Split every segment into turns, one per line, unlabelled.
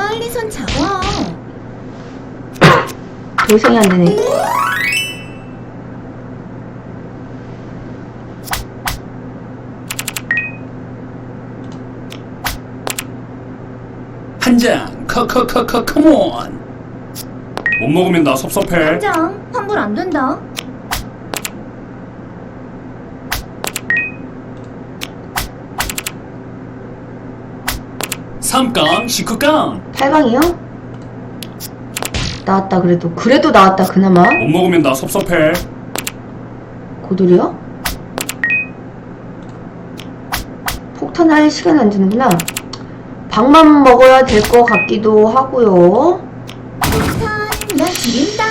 빨리 손 잡아.
도성이 안 되네.
한 장, 컴온. 못 먹으면 나 섭섭해.
한장 환불 안 된다.
삼깡, 식후깡.
8강이요? 나왔다 그래도 나왔다 그나마.
못 먹으면 나 섭섭해.
고돌이요? 폭탄할 시간 안 주는구나. 밥만 먹어야 될 것 같기도 하고요.
폭탄 나 지린다.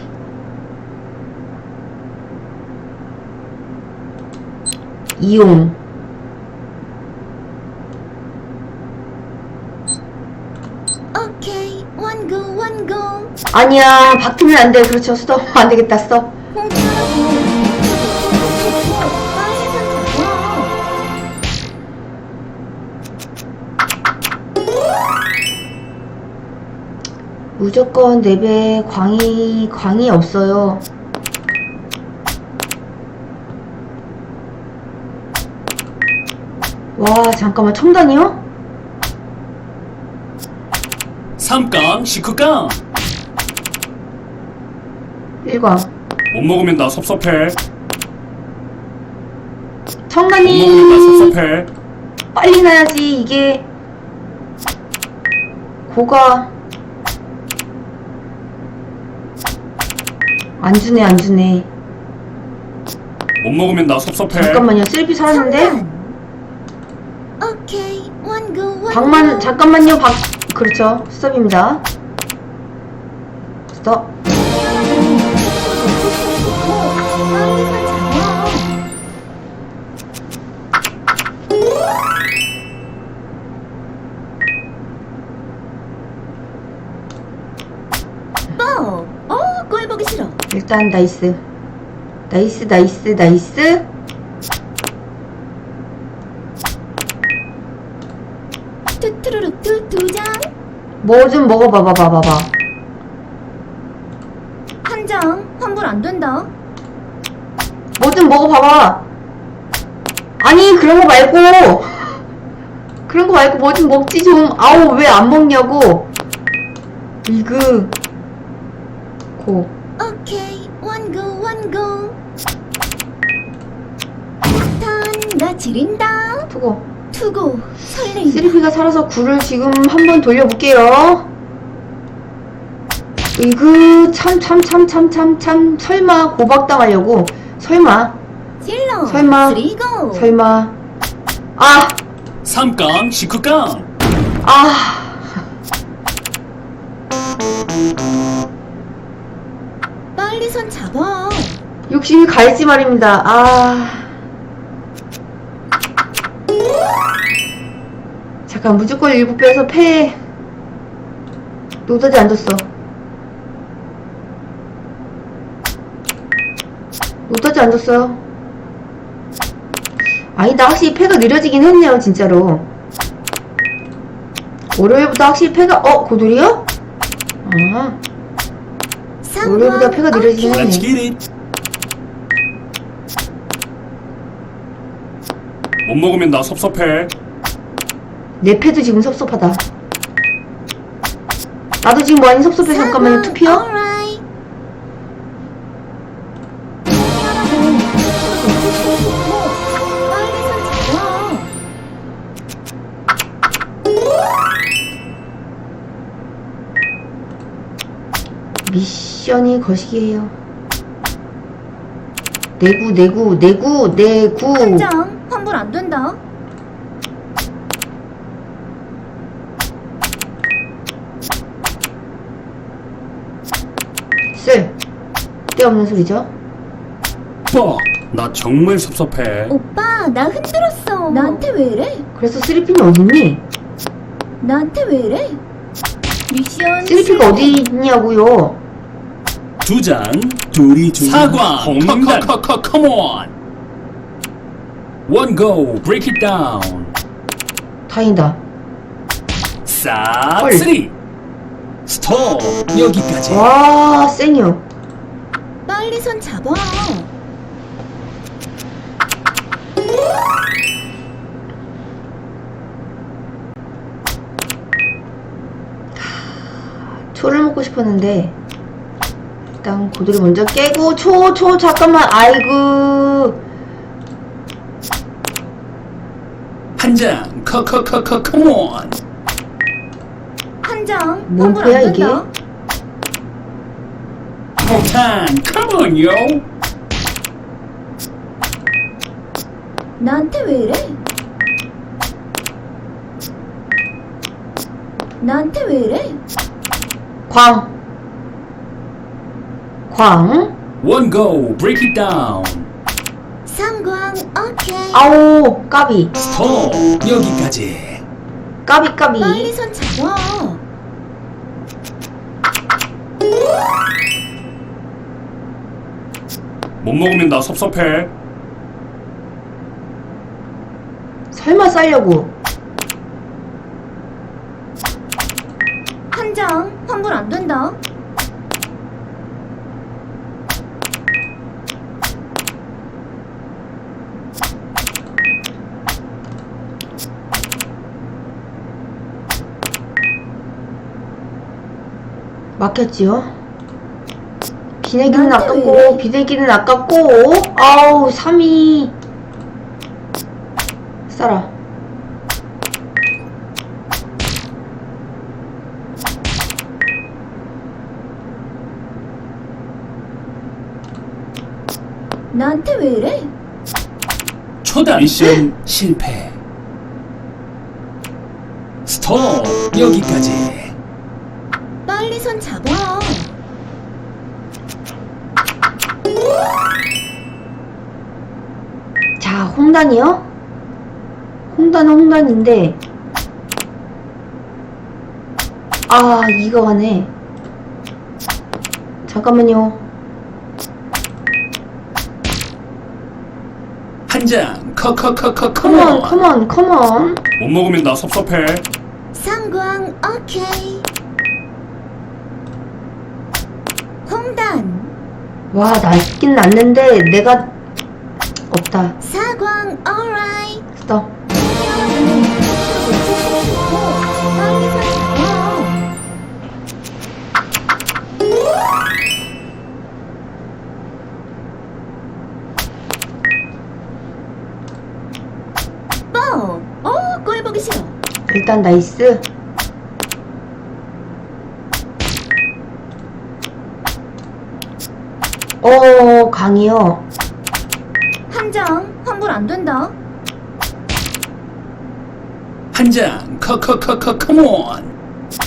이용.
오케이 원고.
아니야, 바뀌면 안 돼. 그렇죠. 수도 안 되겠다. 써.
공짜라고. 빨리 손 잡아.
무조건 4배 광이 없어요. 와, 잠깐만. 첨단이요?
삼깡, 식후깡.
1광.
못 먹으면 나 섭섭해. 못
첨단이
먹으면 나 섭섭해.
빨리 나야지. 이게 고가 안 주네.
못 먹으면 나 섭섭해.
잠깐만요. 셀피 살았는데?
성단. 오케이 원고.
박만 잠깐만요. 그렇죠. 스톱입니다. 스톱.
빨리 손 잡아. 꼴 보기 싫어.
일단 나이스.
투투루루투 두 장.
뭐 좀 먹어봐봐.
한 장 환불 안 된다.
뭐 좀 먹어봐봐. 아니 그런 거 말고 뭐 좀 먹지 좀. 아우 왜 안 먹냐고. 이그 고.
오케이 원고. 폭탄 나 지린다. 투고 설레인다.
3P가 살아서 9를 지금 한번 돌려볼게요. 이그 참 설마 고박당하려고. 설마
질러.
설마.
쓰리고.
아
삼깡, 식후깡.
빨리 손 잡아.
욕심이 갈지 말입니다. 잠깐 무조건 7배에서 패. 노다지 안 줬어. 노다지 안 줬어요. 아니다. 확실히 패가 느려지긴 했네요. 진짜로. 월요일보다 확실히 패가 고돌이요? 월요일보다 패가 느려지긴
Let's
했네.
get it. 못 먹으면 나 섭섭해.
내 패도 지금 섭섭하다. 나도 지금 많이 섭섭해. 잠깐만요. 투피어?
alright. 빨리 손 잡아.
미션이 거시기예요. 내구.
한 장 환불 안 된다.
쓸데없는 소리죠.
나 정말 섭섭해.
오빠 나 흔들었어. 나한테 왜 이래?
그래서 3P는 어딨니?
나한테 왜 이래? 미션
3P가 어디 있냐고요.
두 장, 둘이 사광, 컴온. One go, break it down.
다행이다.
싹,
헐.
쓰리. 스톱. 여기까지.
와, 생유.
빨리 손 잡아.
초를 먹고 싶었는데 일단 고도리 먼저 깨고 초 잠깐만. 아이고.
한 장. 컴온.
한 장.
뭔
환불
표야,
안
이게?
된다.
폭탄. 컴온요.
나한테 왜 이래? 나한테 왜 이래?
광.
원고. 브레이크 잇 다운.
상광 오케이.
아오, 까비.
스톱. 여기까지.
까비.
빨리 손 잡아.
못 먹으면 나 섭섭해.
설마 싸려고.
한 장. 환불 안 된다.
막혔지요? 비내기는
나한테 왜
아깝고
이래?
비내기는 아깝고. 아우, 3위. 싸라.
나한테 왜 이래?
초단. 미션 실패. 스톱. 여기까지.
빨리 손 잡아.
자, 홍단이요? 홍단은 홍단인데. 아, 이거 가네. 잠깐만요.
한 장.
컴온.
컴온. 못 먹으면 나 섭섭해.
상광 오케이. 홍단.
와, 낫긴 낫는데 내가 없다.
사광 alright.
스톱.
빨리 손 잡아. 뻥. 꼴 보기 싫어.
일단 나이스. 강이요.
한 장. 환불 안 된다.
한 장. 컴온.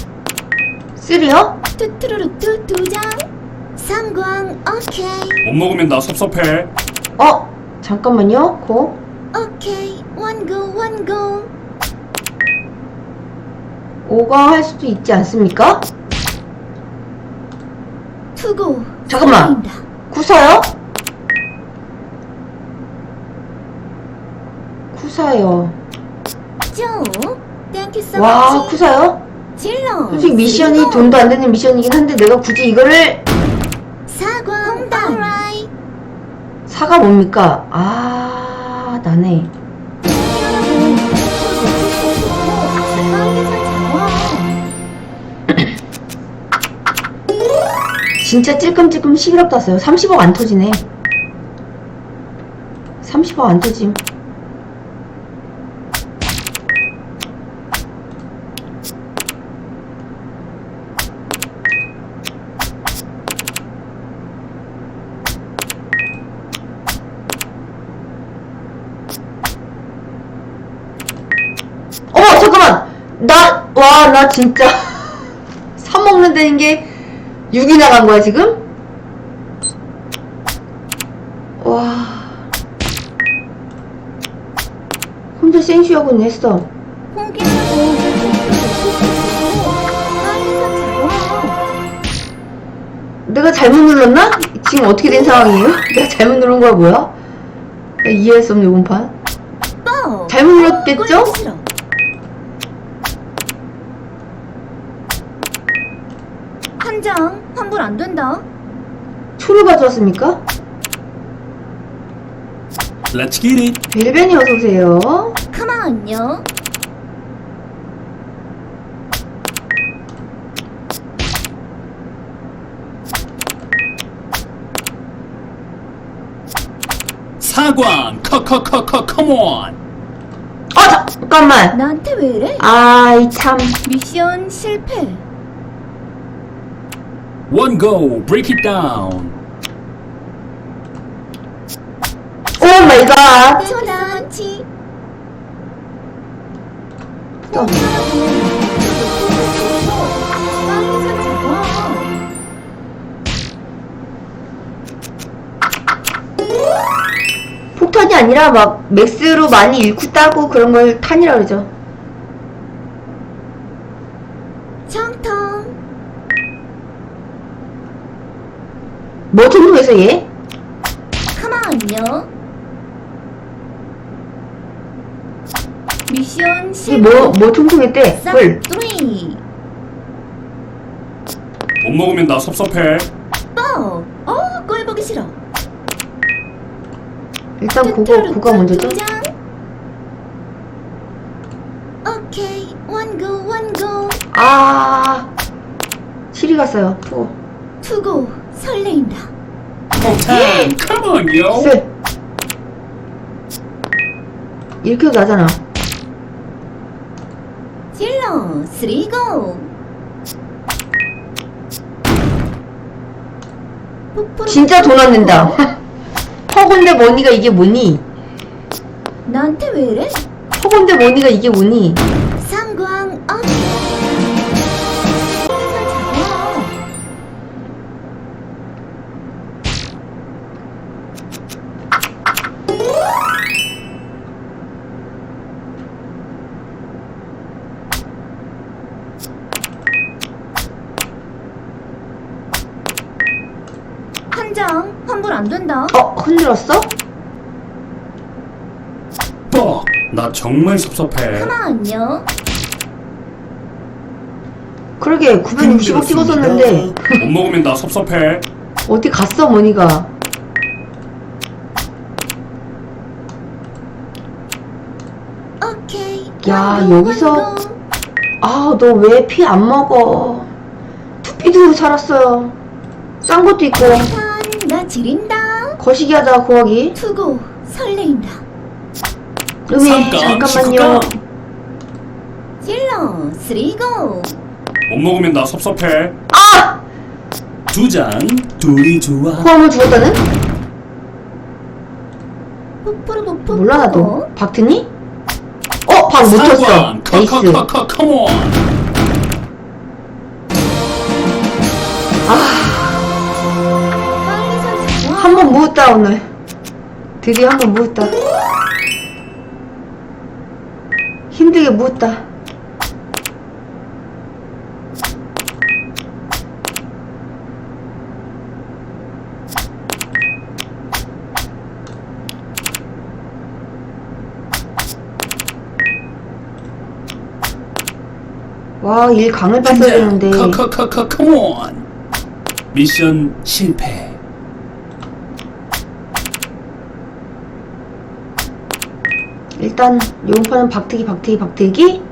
쓰리요?
뚜뚜루루뚜 두 장. 상광 오케이.
못 먹으면 나 섭섭해.
잠깐만요. 고.
오케이. 원고 원고.
5강 할 수도 있지 않습니까?
투고.
잠깐만.
보인다.
구사요? 구사요.
쭉. 땡큐 so
와,
much.
구사요?
질러.
솔직히 미션이
그리고
돈도 안 되는 미션이긴 한데 내가 굳이 이거를.
사광 홍단. alright.
사가 뭡니까? 나네.
빨리 손 잡아.
진짜 찔끔찔끔 11억 땄어요. 30억 안 터지네. 30억 안 터짐. 잠깐만! 나 진짜. 사 먹는다는 게 6이 나간 거야, 지금? 와. 혼자 생쇼하고는 했어.
포기하고. 빨리 손 잡아.
내가 잘못 눌렀나? 지금 어떻게 된 상황이에요? 내가 잘못 누른 거야, 뭐야? 나 이해할 수 없네, 이번 판.
뻥.
잘못 눌렀겠죠?
꼴 보기 어, 싫어. 한 장 환불 안 된다.
초를 가져왔습니까?
Let's get it.
벨벤이 어서오세요.
가만요.
사광 컴온.
잠깐만.
나한테 왜 이래?
아이 참.
미션 실패.
One go. Break it down.
오 마이 갓.
초단치.
또.
빨리 손 잡아.
폭탄이 아니라 막 맥스로 많이 잃고 따고 그런 걸 탄이라 그러죠.
정통.
뭐 정도에서 얘?
가만요. 미션
이
실패.
뭐 통통했대? 헐.
싹두리.
못 먹으면 나 섭섭해.
뻑. 꼴 보기 싫어.
일단 그거 먼저죠.
장. 오케이. 원고.
아. 시리 갔어요. 투고.
투고 설레인다.
폭탄 컴온요.
셋. 이렇게 해도 나잖아.
질러 쓰리고.
진짜 돈 안 낸다. 허건데 머니가 이게 뭐니?
나한테 왜 이래?
허건데 머니가 이게 뭐니?
상광 어디? 잡아. 한 장 환불 안 된다.
흔들었어?
뻑. 나 정말 섭섭해.
가만요.
그러게 960억 찍었었는데
못 먹으면 나 섭섭해.
어디 갔어 머니가?
오케이.
야,
완고,
여기서
완고.
아 너 왜 피 안 먹어? 투피도 살았어요. 싼 것도 있고
나 지린다.
거시기 하다가 구하기.
투고 설레인다.
음에
잠깐,
잠깐만요.
질러 쓰리고.
못 먹으면 나 섭섭해.
아!
두 장. 둘이 좋아.
포함을 주었다는?
푸푸르푸푸.
몰라 나도. 박트니? 박 못 쳤어.
사광
나이스.
컴온.
빨리 손 잡아.
한 번 무었다 오늘. 드디어 한 번 무었다. 힘들게 무었다. 와, 일 강을 봤어야 되는데.
컴온. 미션 실패.
일단 요번판은 박트기.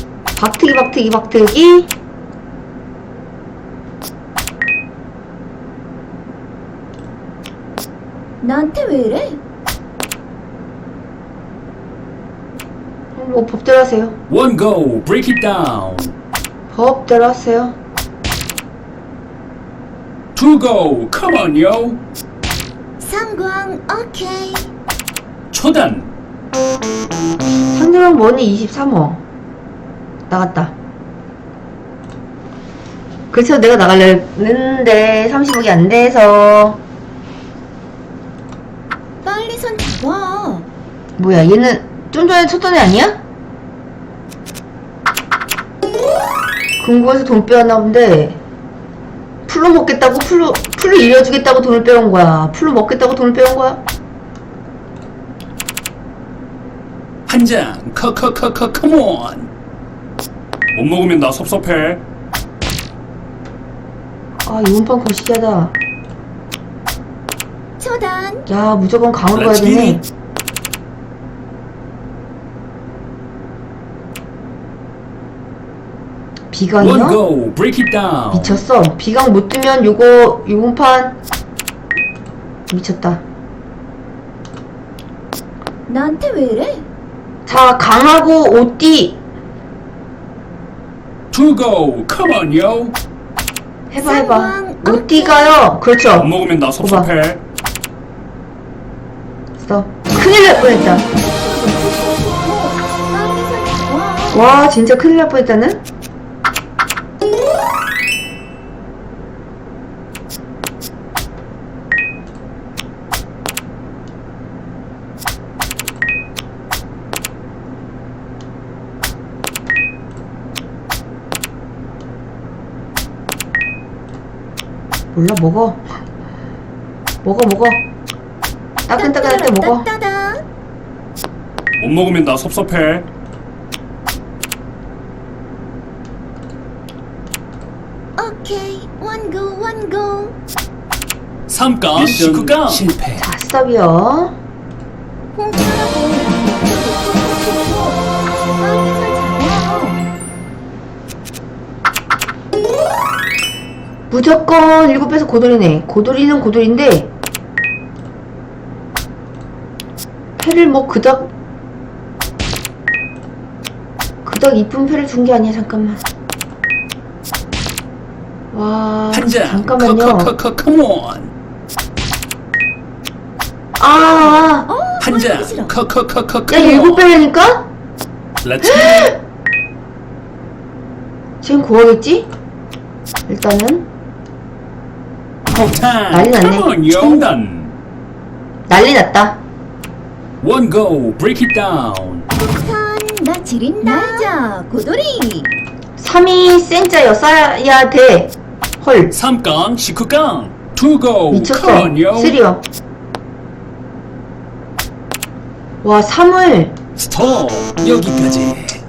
나한테 왜 이래?
뭐 법대로 하세요.
One go. Break it down.
법대로 하세요.
Two go. Come on, yo.
상광 오케이.
초단.
상대방 머니 23호 나갔다. 그래서 내가 나가려 했는데 30억이 안 돼서.
빨리 손 잡아.
뭐야 얘는 좀 전에 쳤던 애 아니야? 금고에서 돈 빼왔나 본데 풀로 먹겠다고 풀로 일려주겠다고 돈을 빼온 거야. 풀로 먹겠다고 돈을 빼온 거야.
한 장. 컴온. 못 먹으면 나 섭섭해.
아, 이번 판 거시기하다.
초단.
야, 무조건 강으로 가야
Let's get
되네.
it. One
비강이요?
go. Break it down.
미쳤어. 비강 못 뜨면 요번 판 미쳤다.
나한테 왜 이래?
자, 강하고 오띠
Two go. Come on, yo.
해봐.
쌍광,
오띠가요. 그렇죠.
못 먹으면 나 섭섭해.
써. 큰일 날 뻔했다. 와, 진짜 큰일 날 뻔했다는? 몰라, 먹어. 먹어. 따끈따끈할 때 먹어.
따따다.
못 먹으면 나 섭섭해.
오케이. one go.
3강
미션
19강 실패.
자, 스톱이요.
공짜라고.
무조건 7배속 고돌이네. 고돌이는 고돌인데 패를 뭐 그닥 이쁜 패를 준 게 아니야. 잠깐만. 와,
한장
잠깐만요.
컴온.
아,
한장
보여주기 싫어.
야,
컴온.
7배라니까?
Let's get it.
지금 구하겠지? 일단은
폭탄.
난리 났네.
Come on, yo. 청단.
난리 났다.
One go. Break it down.
폭탄 나 지린다. 날자 고돌이.
3이 센자여 써야 돼. 헐,
3강 19강. Two go.
미쳤어.
Come on, yo.
3요. 와, 3을
스톱. 여기까지.